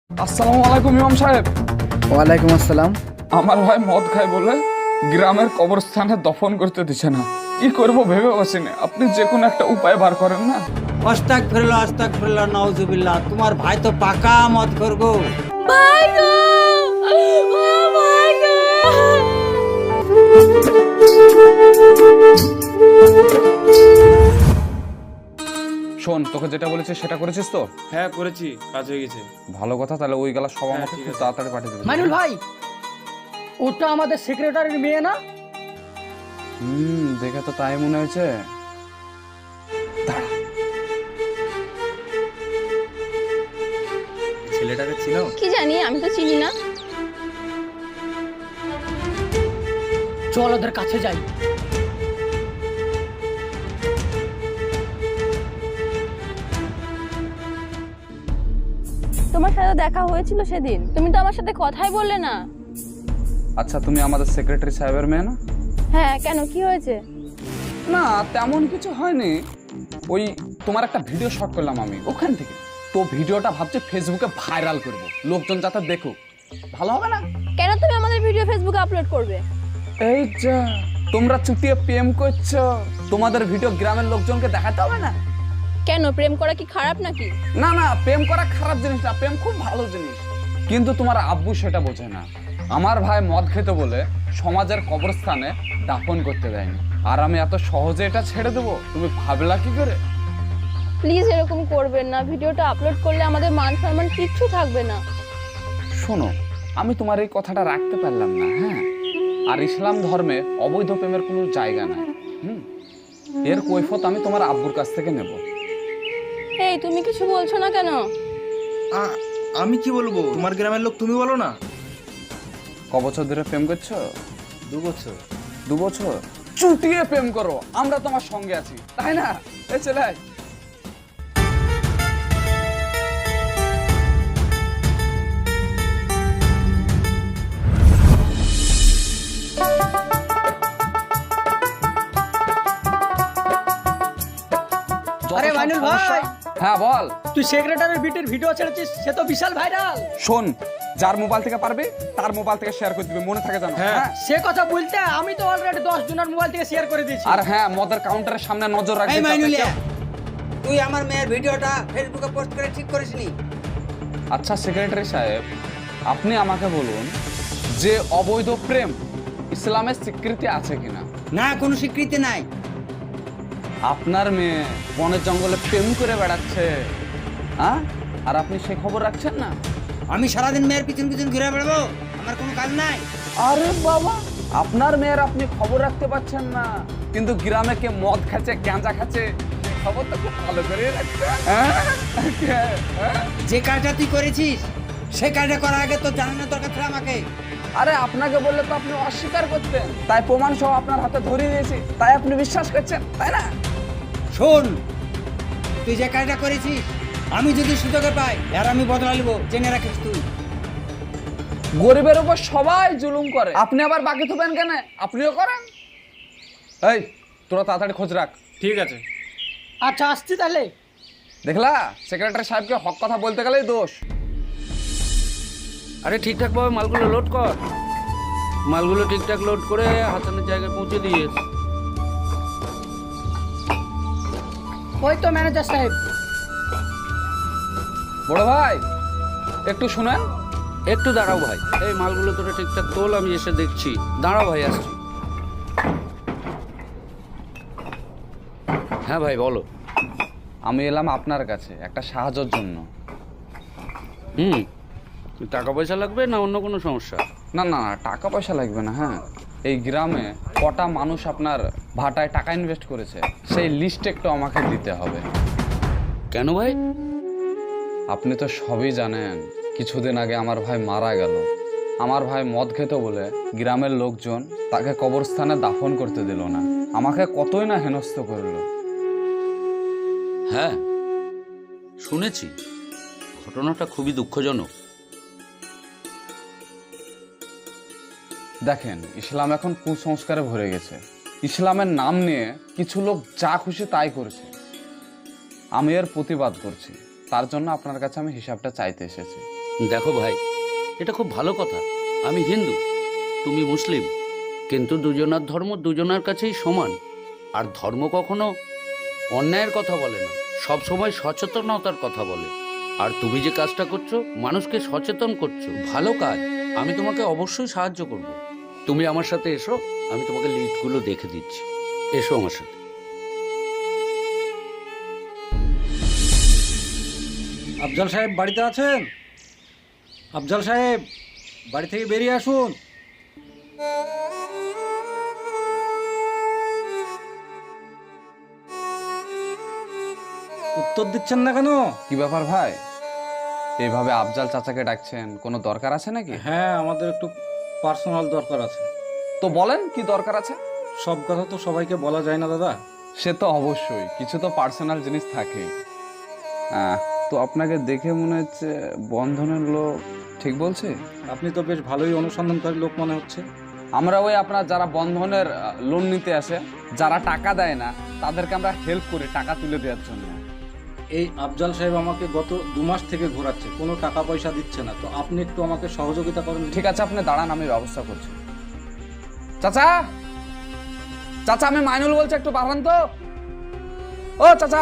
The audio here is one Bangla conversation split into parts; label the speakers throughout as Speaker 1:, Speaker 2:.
Speaker 1: আসসালামু আলাইকুম ইমাম সাহেব।
Speaker 2: ওয়ালাইকুম আসসালাম।
Speaker 1: আমার ভাই মদ খায় বলে গ্রামের কবরস্থানে দফন করতে দিচ্ছে না। কি করব ভেবে বসিনি, আপনি যে কোনো একটা উপায় বার করেন না।
Speaker 3: আস্তাগফিরুল্লাহ নাউজুবিল্লাহ। তোমার ভাই তো পাকা মদ করবো।
Speaker 4: ভাই গো, ও ভাই গো।
Speaker 1: শোন, তোকে যেটা বলেছি সেটা করেছিস তো?
Speaker 5: হ্যাঁ করেছি, কাজ হয়ে গেছে।
Speaker 1: ভালো কথা, তাহলে ওই গেলা সব আমাকে
Speaker 5: ঠিক
Speaker 1: খুব
Speaker 5: আছে।
Speaker 1: তাড়াতাড়ি পাঠিয়ে দেবে।
Speaker 2: মাইনুল ভাই, ওটা আমাদের সেক্রেটারির মেয়ে না?
Speaker 1: দেখে তো তাই মনে হয়েছে।
Speaker 5: ছেলেটাকে চিনো?
Speaker 4: কি জানি, আমি তো চিনি না।
Speaker 2: চল ওদের কাছে যাই।
Speaker 4: তোমার সাথে দেখা হয়েছিল সেদিন, তুমি তো আমার সাথে কথাই বললে না।
Speaker 1: আচ্ছা, তুমি আমাদের সেক্রেটারি সাহেবের মেয়ে না?
Speaker 4: হ্যাঁ, কেন, কি হয়েছে?
Speaker 1: না, তেমন কিছু হয়নি। ওই তোমার একটা ভিডিও শট করলাম আমি ওখান থেকে। তো ভিডিওটা ভাবছি ফেসবুকে ভাইরাল করব, লোকজন যাতে দেখুক। ভালো হবে না?
Speaker 4: কেন তুমি আমাদের ভিডিও ফেসবুকে আপলোড করবে?
Speaker 1: এই যা, তোমরা চুটিয়ে প্রেম করছো, তোমাদের ভিডিও গ্রামের লোকজনকে দেখাতে হবে না?
Speaker 4: কেন, প্রেম করা কি খারাপ নাকি?
Speaker 1: না না, প্রেম করা খারাপ জিনিস না, প্রেম খুব ভালো জিনিস। কিন্তু তোমার আব্বু সেটা বোঝে না। আমার ভাই মদ খেতে বলে সমাজের কবরস্থানে দাফন করতে দেয়নি, আর আমি এত সহজে এটা ছেড়ে দেবো তুমি ভাবলা কি করে?
Speaker 4: প্লিজ এরকম করবেন না, ভিডিওটা আপলোড করলে আমাদের মান সম্মান কিচ্ছু থাকবে না।
Speaker 1: শোনো, আমি তোমার এই কথাটা রাখতে পারলাম না। হ্যাঁ, আর ইসলাম ধর্মে অবৈধ প্রেমের কোনো জায়গা নাই। এর কৈফত আমি তোমার আব্বুর কাছ থেকে নেব।
Speaker 4: এই, তুমি কিছু বলছো না কেন?
Speaker 5: আমি কি বলবো, তোমার গ্রামের লোক তুমি বলো না।
Speaker 1: ক বছর ধরে প্রেম করছো?
Speaker 5: 2 বছর।
Speaker 1: 2 বছর চুটিয়ে প্রেম করো, আমরা তোমার সঙ্গে আছি, তাই না? এই ছেলে,
Speaker 2: আরে মাইনুল ভাই,
Speaker 1: হ্যাঁ বল।
Speaker 2: তুই সেক্রেটারির বিটির ভিডিও ছেড়েছিস, সে তো বিশাল ভাইরাল।
Speaker 1: শোন, যার মোবাইল থেকে পারবে তার মোবাইল থেকে শেয়ার করে দিবে, মনে থাকে জানো?
Speaker 5: হ্যাঁ।
Speaker 2: সে কথা বলতে আমি তো অলরেডি 10 জনের মোবাইল থেকে শেয়ার করে দিয়েছি।
Speaker 1: আর হ্যাঁ, মদের কাউন্টারের সামনে নজর রাখবি।
Speaker 3: এই
Speaker 1: যাতে
Speaker 3: মাইনুলিয়া,
Speaker 1: কেউ-
Speaker 3: তুই আমার মেয়ের ভিডিওটা ফেসবুকে পোস্ট করে ঠিক করিসনি?
Speaker 1: আচ্ছা সেক্রেটারি সাহেব, আপনি আমাকে বলুন যে অবৈধ প্রেম ইসলামের স্বীকৃতি আছে কিনা?
Speaker 3: না, কোনো স্বীকৃতি নাই।
Speaker 1: আপনার মেয়ে বনের জঙ্গলে প্রেম করে বেড়াচ্ছে, হ্যাঁ, আর আপনি সেই খবর রাখছেন না?
Speaker 3: আমি সারাদিন মেয়ের পিছন পিছন ঘুরে বেড়াবো? আমার কোনো কাজ নাই।
Speaker 1: আরে বাবা, আপনার মেয়ের আপনি খবর রাখতে পারছেন না, কিন্তু গ্রামে কে মদ খাচ্ছে, গাঁজা খাচ্ছে, সেই খবর তো খুব ভালো করে রাখছেন। হ্যাঁ?
Speaker 3: যে কাজটা তুই করেছিস সে কাজটা করার আগে তো জানানোর দরকার ছিল আমাকে।
Speaker 1: আরে আপনাকে বললে তো আপনি অস্বীকার করতেন, তাই প্রমাণ সহ আপনার হাতে ধরিয়ে দিয়েছি, তাই আপনি বিশ্বাস করছেন, তাই না?
Speaker 3: শোন, তুই যে কাজটা করেছিস আমি যদি সুযোগে পাই আর আমি বদলা নিব, জেনে রাখিস তুই।
Speaker 1: গরিবের উপর সবাই জুলুম করে, আপনি আবার বাকি থাকবেন কেন? আপনিও করেন। এই, তোরা তাড়াতাড়ি খোঁজ রাখ।
Speaker 5: ঠিক আছে।
Speaker 2: আচ্ছা, আসছি তাহলে।
Speaker 1: দেখলা, সেক্রেটারি সাহেবকে হক কথা বলতে গেলেই দোষ।
Speaker 6: আরে ঠিকঠাক ভাবে মালগুলো লোড কর। মালগুলো ঠিকঠাক লোড করে হাসানের জায়গায় পৌঁছে দিয়েছ।
Speaker 2: ওই তো ম্যানেজার সাহেব।
Speaker 1: বড় ভাই, একটু শুনেন।
Speaker 6: একটু দাঁড়াও ভাই, এই মালগুলো তোরা ঠিকঠাক তোল, আমি এসে দেখছি। দাঁড়াও ভাই, আসছি। হ্যাঁ ভাই বলো।
Speaker 1: আমি এলাম আপনার কাছে একটা সাহায্যের জন্য।
Speaker 6: টাকা পয়সা লাগবে না অন্য কোনো সমস্যা?
Speaker 1: না না না, টাকা পয়সা লাগবে না। হ্যাঁ, এই গ্রামে কটা মানুষ আপনার ভাটায় টাকা ইনভেস্ট করেছে সেই লিস্ট একটু আমাকে দিতে হবে।
Speaker 6: কেন ভাই?
Speaker 1: আপনি তো সবই জানেন, কিছুদিন আগে আমার ভাই মারা গেল। আমার ভাই মদ খেত বলে গ্রামের লোকজন তাকে কবরস্থানে দাফন করতে দিল না, আমাকে কতই না হেনস্থ করলো।
Speaker 6: হ্যাঁ শুনেছি, ঘটনাটা খুবই দুঃখজনক।
Speaker 1: দেখেন, ইসলাম এখন কুসংস্কারে ভরে গেছে। ইসলামের নাম নিয়ে কিছু লোক যা খুশি তাই করছে, আমি এর প্রতিবাদ করছি। তার জন্য আপনার কাছে আমি হিসাবটা চাইতে এসেছি।
Speaker 6: দেখো ভাই, এটা খুব ভালো কথা। আমি হিন্দু, তুমি মুসলিম, কিন্তু দুজনার ধর্ম দুজনার কাছেই সমান। আর ধর্ম কখনো অন্যায়ের কথা বলে না, সব সময় সচেতনতার কথা বলে। আর তুমি যে কাজটা করছো, মানুষকে সচেতন করছো, ভালো কাজ। আমি তোমাকে অবশ্যই সাহায্য করব। তুমি আমার সাথে এসো, আমি তোমাকে লিস্টগুলো দেখে দিচ্ছি। এসো আমার সাথে।
Speaker 7: আফজাল সাহেব বাড়িতে আছেন? আফজাল সাহেব, বাড়ি থেকে বেরিয়ে আসুন। উত্তর দিচ্ছেন না কেন?
Speaker 1: কি ব্যাপার ভাই, এইভাবে আফজাল চাচাকে ডাকছেন, কোনো দরকার আছে নাকি?
Speaker 7: হ্যাঁ, আমাদের একটু পার্সোনাল দরকার আছে।
Speaker 1: তো বলেন কি দরকার আছে।
Speaker 7: সব কথা তো সবাইকে বলা যায় না দাদা।
Speaker 1: সে তো অবশ্যই, কিছু তো পার্সোনাল জিনিস থাকে। তো আপনাকে দেখে মনে হচ্ছে বন্ধনের লোক, ঠিক বলছে?
Speaker 7: আপনি তো বেশ ভালোই অনুসন্ধানকারী লোক মনে হচ্ছে।
Speaker 1: আমরা ওই আপনার যারা বন্ধনের লোন নিতে আসে, যারা টাকা দেয় না, তাদেরকে আমরা হেল্প করি টাকা তুলে দেওয়ার জন্য।
Speaker 7: এই আফজাল সাহেব আমাকে গত 2 মাস থেকে ঘোরাচ্ছে, কোনো টাকা পয়সা দিচ্ছে না। তো আপনি একটু আমাকে সহযোগিতা করেন।
Speaker 1: ঠিক আছে, আপনি দাঁড়ান, আমি ব্যবস্থা করছি। চাচা, চাচা আমি মাইনুল বলছি, একটু বাড়ান তো। ও চাচা,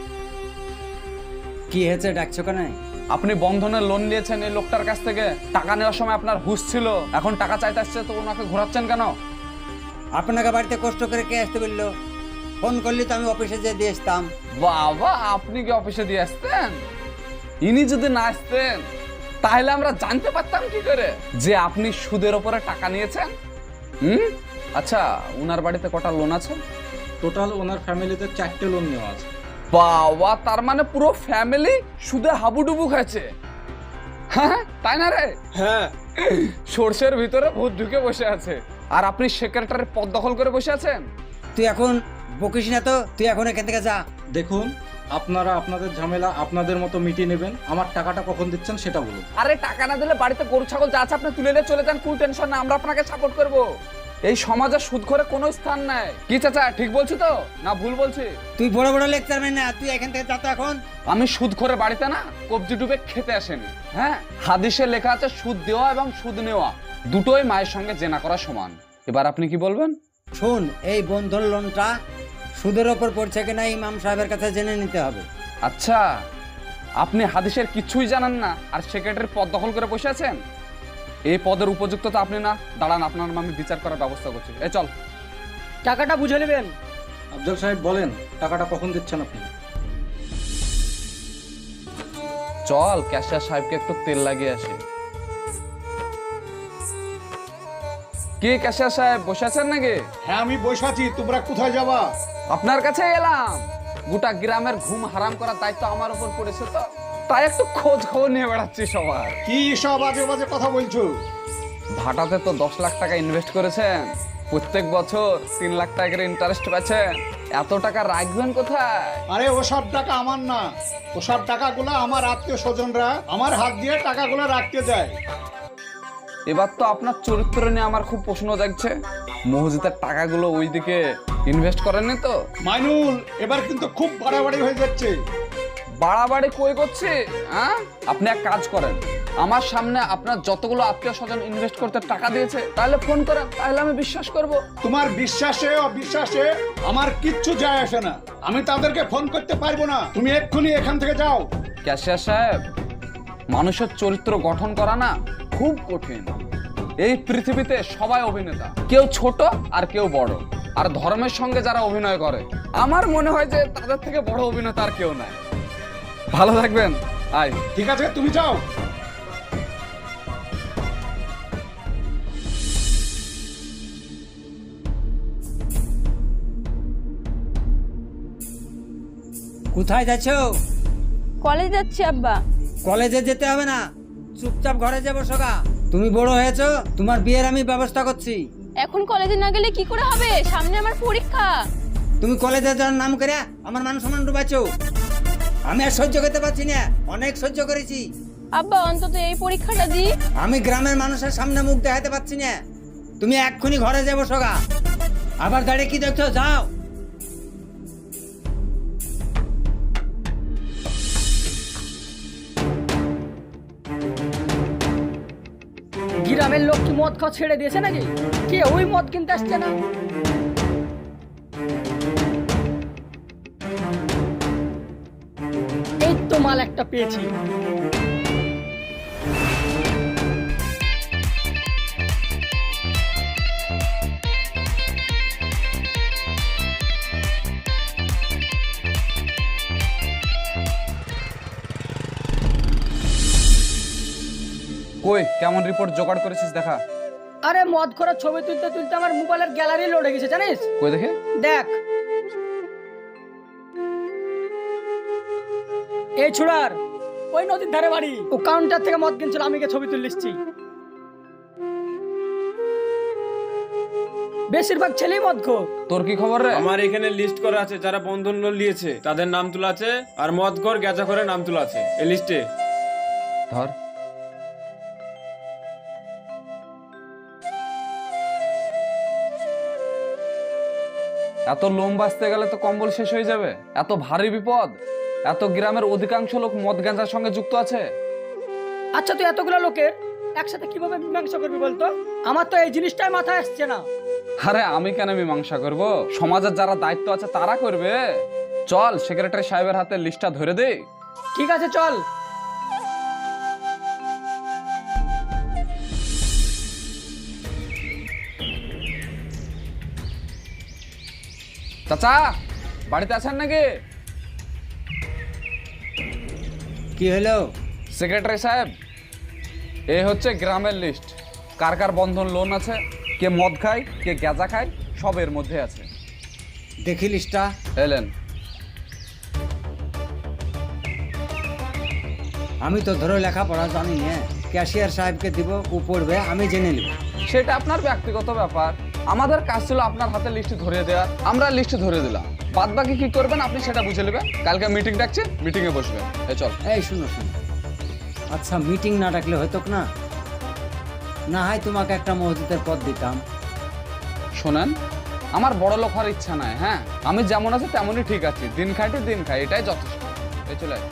Speaker 3: কি হয়েছে, ডাকছো কেন?
Speaker 1: আপনি বন্ধনের লোন নিয়েছেন এই লোকটার কাছ থেকে, টাকা নেওয়ার সময় আপনার হুঁশ ছিল, এখন টাকা চাইতে আসছে, তো ওনাকে ঘোরাচ্ছেন কেন?
Speaker 3: আপনাকে বাড়িতে কষ্ট করে কে আসতে বললো? ফোন করলে তো আমি অফিসে যেয়ে দিয়ে আসতাম।
Speaker 1: বাবা, আপনি কি অফিসে দিয়ে আসতেন? ইনি যদি না আসতেন তাহলে আমরা জানতে পারতাম কি করে যে আপনি সুদের ওপরে টাকা নিয়েছেন? আচ্ছা, উনার বাড়িতে কটা লোন আছে?
Speaker 7: টোটাল ওনার ফ্যামিলিতে 4টে লোন নেওয়া আছে।
Speaker 1: বাবা, তার মানে পুরো ফ্যামিলি সুদে হাবুডুবু খাচ্ছে, হ্যাঁ তাই না রে?
Speaker 5: হ্যাঁ,
Speaker 1: সর্ষের ভিতরে ভূত ঢুকে বসে আছে, আর আপনি সেক্রেটারির পদ দখল করে বসে আছেন।
Speaker 3: তুই এখন বকিস না তো, তুই এখন এখান থেকে যা।
Speaker 7: দেখুন, আপনারা আপনাদের ঝামেলা আপনাদের মতো মিটিয়ে নেবেন। আমার টাকাটা কখন দিচ্ছেন সেটা বলুন।
Speaker 1: আরে টাকা না দিলে বাড়িতে গরু ছাগল যা আছে আপনি তুলে নিয়ে চলে যান, কোনো টেনশন না, আমরা আপনাকে সাপোর্ট করব। এই সমাজে সুদ করে কোনো স্থান নাই। কি চাচা, ঠিক বলছি তো না ভুল বলছি?
Speaker 3: তুই বড় বড় লেকচার না, তুই এখান থেকে যা তো এখন।
Speaker 1: আমি সুদ করে বাড়িতে না কবজি ডুবে খেতে আসেনি। হ্যাঁ, হাদিসে লেখা আছে সুদ দেওয়া এবং সুদ নেওয়া দুটোই মায়ের সঙ্গে জেনা করা সমান। এবার আপনি কি বলবেন?
Speaker 3: শোন, এই বন্ধন লোনটা সুদের ওপর পড়ছে কিনা ইমাম সাহেবের কাছে জেনে নিতে হবে।
Speaker 1: আচ্ছা, আপনি হাদিসের কিছুই জানেন না আর সেক্রেটারির পদ দখল করে বসে আছেন? এই পদের উপযুক্ত তো আপনি না। দাঁড়ান, আপনার আমি বিচার করার ব্যবস্থা করছি। এই চল।
Speaker 2: টাকাটা বুঝে নেবেন।
Speaker 7: আফজাল সাহেব বলেন, টাকাটা কখন দিচ্ছেন আপনি?
Speaker 1: চল, ক্যাশিয়ার সাহেবকে একটু তেল লাগিয়ে আসি। কি ক্যাশিয়ার সাহেব, বসে আছেন নাকি?
Speaker 8: হ্যাঁ, আমি বসে আছি। তোমরা কোথায় যাবা?
Speaker 1: আপনার কাছে এলাম। গোটা গ্রামের ঘুম হারাম করার দায়িত্ব আমার উপর পড়েছে, তো তাই একটু খোঁজ খবর নিয়ে বেড়াচ্ছি সবার।
Speaker 8: কি সব আজে বাজে কথা বলছো?
Speaker 1: ভাটাতে তো 10 লাখ টাকা ইনভেস্ট করেছেন, প্রত্যেক বছর 3 লাখ টাকার ইন্টারেস্ট পাচ্ছেন, এত টাকা রাখবেন কোথায়?
Speaker 8: আরে ওসব টাকা আমার না, ওসব টাকাগুলো আমার আত্মীয় স্বজনরা আমার হাত দিয়ে টাকাগুলো রাখতে দেয়।
Speaker 1: এবার তো আপনার চরিত্র নিয়ে আমার খুব প্রশ্ন জাগছে। মসজিদের টাকাগুলো ওইদিকে ইনভেস্ট করেননি তো?
Speaker 8: মাইনুল, এবার কিন্তু খুব বাড়াবাড়ি হয়ে যাচ্ছে।
Speaker 1: বাড়াবাড়ি কই করছে? হ্যাঁ, আপনি এক কাজ করেন, আমার সামনে আপনার যতগুলো আত্মীয় স্বজন ইনভেস্ট করতে টাকা দিয়েছে তাহলে ফোন করেন, তাহলে আমি বিশ্বাস করব।
Speaker 8: তোমার বিশ্বাসে অবিশ্বাসে আমার কিচ্ছু যায় আসে না, আমি তাদেরকে ফোন করতে পারবো না। তুমি এক্ষুনি এখান থেকে যাও।
Speaker 1: ক্যাশিয়ার সাহেব, মানুষের চরিত্র গঠন করা না খুব কঠিন। এই পৃথিবীতে সবাই অভিনেতা, কেউ ছোট আর কেউ বড়। আর ধর্মের সঙ্গে যারা অভিনয় করে, আমার মনে হয় যে তাদের থেকে বড় অভিনেতা আর কেউ নাই। ভালো থাকবেন। আয়।
Speaker 8: ঠিক আছে, তুমি যাও।
Speaker 3: কোথায় যাচ্ছো?
Speaker 4: কলেজ যাচ্ছি আব্বা।
Speaker 3: কলেজে যেতে হবে না, চুপচাপ ঘরে যাবো সগা। তুমি বড় হয়েছো, তোমার বিয়ের আমি ব্যবস্থা করছি।
Speaker 4: এখন কলেজে না গেলে কি করে হবে? সামনে আমার পরীক্ষা।
Speaker 3: তুমি কলেজে যাওয়ার নাম করে আমার মান সম্মান ডুবাচ্ছো। আমি আর সহ্য করতে পারছি না, অনেক সহ্য করেছি।
Speaker 4: আব্বা, অন্তত এই পরীক্ষাটা দি।
Speaker 3: আমি গ্রামের মানুষের সামনে মুখ দেখাতে পারছি না। তুমি এক্ষুনি ঘরে যাবো সগা। আবার দাঁড়িয়ে কি দেখছো, যাও।
Speaker 2: গ্রামের লোক কি মদ খাওয়া ছেড়ে দিয়েছে নাকি? কে ওই মদ কিনতে আসছে না? এই তো মাল একটা পেয়েছি।
Speaker 1: কই কেমন রিপোর্ট জোগাড় করেছিস দেখা।
Speaker 2: আরে মদ খোরা ছবি তুলতে তুলতে আমার মোবাইলের গ্যালারি লোড হয়ে গেছে জানিস?
Speaker 1: কই দেখে।
Speaker 2: দেখ এই ছুড়ার ওই নদীর ধারে বাড়ি, ও কাউন্টার থেকে মদ কিনছিল, আমি গিয়ে ছবি তুললিছি। বেশিরভাগ ছেলেই মদ খো।
Speaker 1: তোর কি খবর রে?
Speaker 9: আমার এখানে লিস্ট করা আছে যারা বন্ধন লোন নিয়েছে তাদের নাম তোলা আছে, আর মদঘর গেজা করে নাম তোলা আছে এই লিস্টে।
Speaker 1: ধর। এত লোম বাঁচতে গেলে তো কম্বল শেষ হয়ে যাবে। এত ভারী বিপদ। এত গ্রামের অধিকাংশ লোক মদ গাঁজার সঙ্গে যুক্ত আছে।
Speaker 2: আচ্ছা তুই এতগুলো লোকের একসাথে কিভাবে মীমাংসা করবি বলতো? আমার তো এই জিনিসটাই মাথায় আসছে না।
Speaker 1: আরে আমি কেন মীমাংসা করব? সমাজের যারা দায়িত্ব আছে তারা করবে। চল সেক্রেটারি সাহেবের হাতে লিস্টটা ধরে দে।
Speaker 2: ঠিক আছে চল।
Speaker 1: চাচা বাড়িতে আছেন নাকি?
Speaker 3: কি হলো?
Speaker 1: সেক্রেটারি সাহেব, এই হচ্ছে গ্রামের লিস্ট। কার কার বন্ধন লোন আছে, কে মদ খায়, কে গাঁজা খায়, সব এর মধ্যে আছে।
Speaker 3: দেখি লিস্টটা।
Speaker 1: এলেন।
Speaker 3: আমি তো ধরো লেখাপড়া জানি না, ক্যাশিয়ার সাহেবকে দিব, ও পড়বে, আমি জেনে নেব।
Speaker 1: সেটা আপনার ব্যক্তিগত ব্যাপার। আমাদের কাজ ছিল আপনার হাতে লিস্ট ধরিয়ে দেওয়া, আমরা লিস্ট ধরে দিলাম। বাদ বাকি কি করবেন আপনি সেটা বুঝে নেবেন। কালকে মিটিং ডাকছে, মিটিং এ বসবেন। এই চল।
Speaker 3: এই শুনো শুনো, আচ্ছা মিটিং না ডাকলে হতো না? না হয় তোমাকে একটা মসজিদের পদ দিতাম।
Speaker 1: শোনেন, আমার বড় লোক হওয়ার ইচ্ছা নাই। হ্যাঁ, আমি যেমন আছি তেমনই ঠিক আছি। দিন খাইতে দিন খাই, এটাই যথেষ্ট। এই চলে আয়।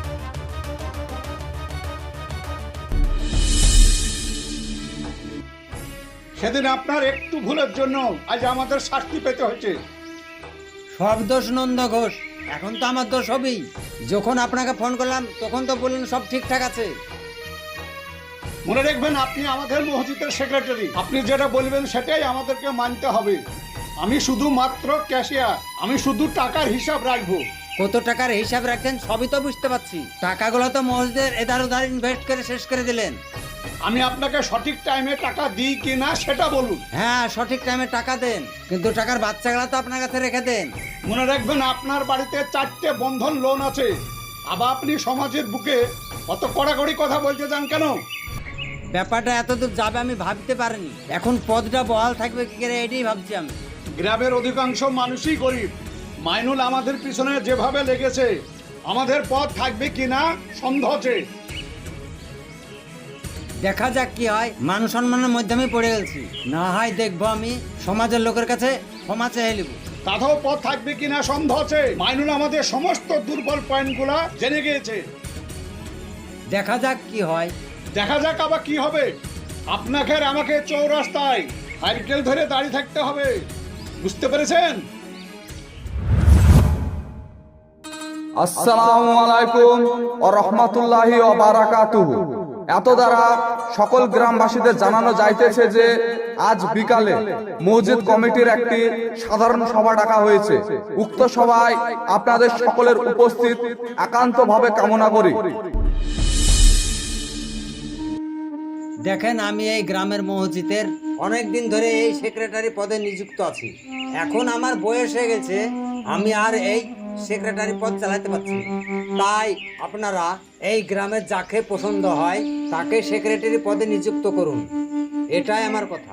Speaker 8: সেদিন আপনার একটু ভুলের জন্য আজ আমাদের শাস্তি পেতে হয়েছে।
Speaker 3: সব দোষ নন্দ ঘোষ, এখন তো আমার দোষ হবেই। যখন আপনাকে ফোন করলাম তখন তো বললেন সব ঠিকঠাক আছে।
Speaker 8: মনে রাখবেন আপনি আমাদের মসজিদের সেক্রেটারি, আপনি যেটা বলবেন সেটাই আমাদেরকে মানতে হবে। আমি শুধু মাত্র ক্যাশিয়ার, আমি শুধু টাকার হিসাব রাখবো।
Speaker 3: কত টাকার হিসাব রাখছেন সবই তো বুঝতে পারছি। টাকাগুলো তো মসজিদের এধার ওধার ইনভেস্ট করে শেষ করে দিলেন।
Speaker 8: আমি আপনাকে সঠিক টাইমে টাকা দিই কি না সেটা বলুন।
Speaker 3: হ্যাঁ সঠিক টাইমে টাকা দেন, কিন্তু টাকার বাচ্চাগুলো তো আপনার কাছে রেখে দেন।
Speaker 8: মনে রাখবেন আপনার বাড়িতে 4টে বন্ধন লোন আছে। আবার আপনি সমাজের বুকে অত কড়াকড়ি কথা বলতে চান কেন?
Speaker 3: ব্যাপারটা এতদূর যাবে আমি ভাবতে পারিনি। এখন পদটা বহাল থাকবে কি করে এটাই ভাবছি আমি।
Speaker 8: গ্রামের অধিকাংশ মানুষই গরিব। মাইনুল আমাদের পিছনে যেভাবে লেগেছে, আমাদের পদ থাকবে কিনা সন্দেহ আছে।
Speaker 3: দেখা যাক কি হয়। মান সম্মানের মধ্যে আমি পড়ে গেছি, না হয় দেখবো আমি সমাজের লোকের কাছে ক্ষমা চেয়ে নেব।
Speaker 8: তাতেও পদ থাকবে কিনা সন্দেহ আছে। মাইনুল আমাদের সমস্ত দুর্বল পয়েন্টগুলা জেনে গিয়েছে।
Speaker 3: দেখা যাক কি হয়।
Speaker 8: দেখা যাক আবার কি হবে। আপনাকে আর আমাকে চৌরাস্তায় সাইকেল ধরে দাঁড়িয়ে থাকতে হবে, বুঝতে পেরেছেন?
Speaker 1: আসসালামু আলাইকুম ওয়া রাহমাতুল্লাহি ওয়া বারাকাতুহু। এত দ্বারা সকল গ্রামবাসীদের জানানো যাইতেছে যে আজ বিকালে মসজিদ কমিটির একটি সাধারণ সভা ডাকা হয়েছে। উক্ত সভায় আপনাদের সকলের উপস্থিত একান্তভাবে কামনা করি।
Speaker 3: দেখেন, আমি এই গ্রামের মসজিদের অনেক দিন ধরে এই সেক্রেটারি পদে নিযুক্ত আছি। এখন আমার বয়স হয়ে গেছে, আমি আর এই সেক্রেটারি পদ চালাতে পারছি না। তাই আপনারা এই গ্রামের যাকে পছন্দ হয় তাকে সেক্রেটারি পদে নিযুক্ত করুন, এটাই আমার কথা।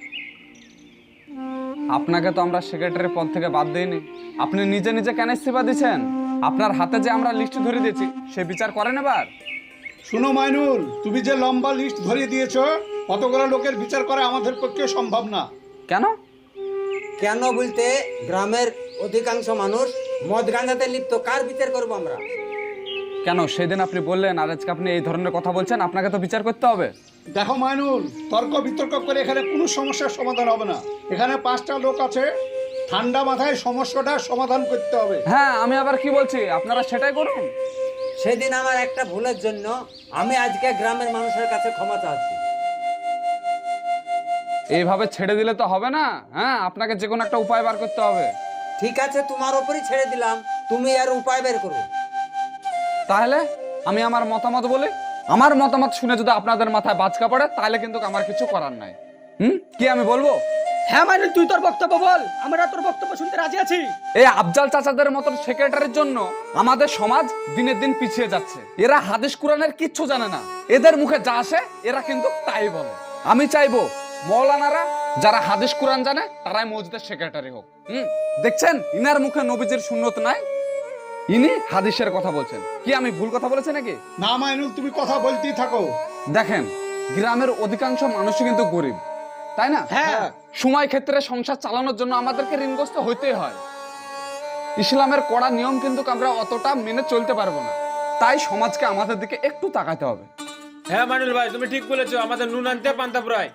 Speaker 1: আপনাকে তো আমরা সেক্রেটারি পদ থেকে বাদ দিইনি। আপনি নিজে নিজে কেন ইস্তিফা দিচ্ছেন? আপনার হাতে যে আমরা লিস্ট ধরে দিয়েছি সে বিচার করেন এবার।
Speaker 8: শুনো মাইনুল, তুমি যে লম্বা লিস্ট ধরিয়ে দিয়েছো, কতগুলো লোকের বিচার করা আমাদের পক্ষে সম্ভব না।
Speaker 1: কেন?
Speaker 3: কেন বলতে, গ্রামের অধিকাংশ মানুষ মদ গাঁজাতে লিপ্ত, কার বিচার করবো আমরা?
Speaker 1: কেন সেদিন আপনি বললেন আর আজকে আপনি এই ধরনের কথা বলছেন? আপনাকে তো বিচার করতে হবে।
Speaker 8: দেখো মাইনুল, তর্ক বিতর্ক করে এখানে কোনো সমস্যার সমাধান হবে না। এখানে 5টা লোক আছে, ঠান্ডা মাথায় সমস্যাটার সমাধান করতে হবে।
Speaker 1: হ্যাঁ, আমি আবার কি বলছি, আপনারা সেটাই করুন।
Speaker 3: সেদিন আমার একটা ভুলের জন্য আমি আজকে গ্রামের মানুষের কাছে ক্ষমা চাচ্ছি।
Speaker 1: এইভাবে ছেড়ে দিলে তো হবে না। হ্যাঁ, আপনাকে যে কোনো একটা উপায় বার করতে হবে।
Speaker 3: ঠিক আছে, তোমার ওপরই ছেড়ে দিলাম, তুমি আর উপায় বের করো।
Speaker 1: তাহলে আমি আমার মতামত বলি। আমার মতামত শুনে যদি আপনাদের মাথায় বাজকা পড়ে তাহলে কিন্তু আমার কিছু করার নাই। কি আমি বলবো?
Speaker 2: হ্যাঁ মানে তুই তোর বক্তব্য বল, আমরা তোর বক্তব্য শুনতে রাজি আছি।
Speaker 1: এই আফজাল চাচাদের মতন সেক্রেটারির জন্য আমাদের সমাজ দিনের দিন পিছিয়ে যাচ্ছে। এরা হাদিস কুরআনের কিচ্ছু জানে না, এদের মুখে যা আসে এরা কিন্তু তাই বলে। আমি চাইবো মৌলানারা যারা হাদিস কুরআন জানে তারাই মসজিদের সেক্রেটারি হোক। দেখছেন ইনার মুখে নবীজির সুন্নত নাই, ইনি হাদিসের কথা বলছেন। কি আমি ভুল কথা বলেছি নাকি?
Speaker 8: না মাইনুল, তুমি কথা বলতেই থাকো।
Speaker 1: দেখেন গ্রামের অধিকাংশ মানুষই কিন্তু গরিব, তাই না?
Speaker 2: হ্যাঁ।
Speaker 1: সময় ক্ষেত্রে সংসার চালানোর জন্য আমাদেরকে ঋণগ্রস্ত হইতেই হয়। ইসলামের কড়া নিয়ম কিন্তু আমরা অতটা মেনে চলতে পারবো না, তাই সমাজকে আমাদের দিকে একটু তাকাতে হবে।
Speaker 9: হ্যাঁ মাইনুল ভাই, তুমি ঠিক বলেছো, আমাদের নুন আনতে পান্তা প্রায়।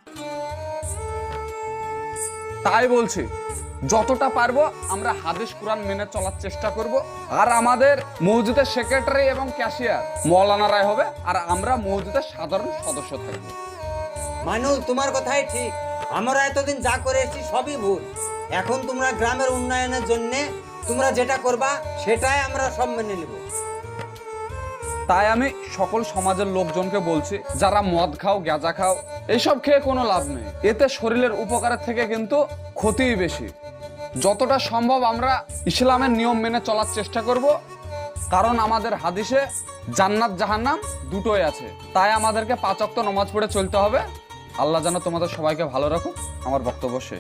Speaker 1: তাই বলছি যতটা পারবো আমরা হাদিস কুরআন মেনে চলার চেষ্টা করব। আর আমাদের মসজিদের সেক্রেটারি এবং ক্যাশিয়ার মৌলানারাই হবে, আর আমরা মসজিদের সাধারণ সদস্য থাকবো।
Speaker 3: মানুল, তোমার কথাই ঠিক। আমরা এতদিন যা করে এসেছি সবই ভুল। এখন তোমরা গ্রামের উন্নয়নের জন্য তোমরা যেটা করবা সেটাই আমরা সব মেনে নেব।
Speaker 1: তাই আমি সকল সমাজের লোকজনকে বলছি, যারা মদ খাও, গাঁজা খাও, এইসব খেয়ে কোনো লাভ নেই। এতে শরীরের উপকারের থেকে কিন্তু ক্ষতিই বেশি। যতটা সম্ভব আমরা ইসলামের নিয়ম মেনে চলার চেষ্টা করব, কারণ আমাদের হাদিসে জান্নাত জাহান্নাম দুটোই আছে। তাই আমাদেরকে 5 ওয়াক্ত নামাজ পড়ে চলতে হবে। আল্লাহ যেন তোমাদের সবাইকে ভালো রাখুক। আমার বক্তব্য শেষ।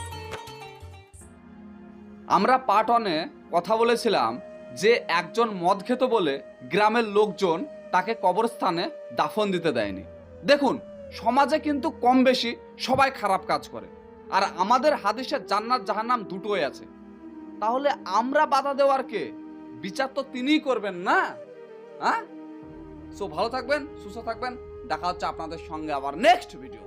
Speaker 1: আমরা পার্ট 1-এ কথা বলেছিলাম যে একজন মদ খেত বলে গ্রামের লোকজন তাকে কবরস্থানে দাফন দিতে দেয়নি। দেখুন সমাজে কিন্তু কম বেশি সবাই খারাপ কাজ করে, আর আমাদের হাদিসে জান্নাত জাহান্নাম দুটোই আছে। তাহলে আমরা বাধা দেওয়ার কে? বিচার তো তিনিই করবেন না? হ্যাঁ, সো ভালো থাকবেন, সুস্থ থাকবেন। দেখা হচ্ছে আপনাদের সঙ্গে আবার নেক্সট ভিডিও।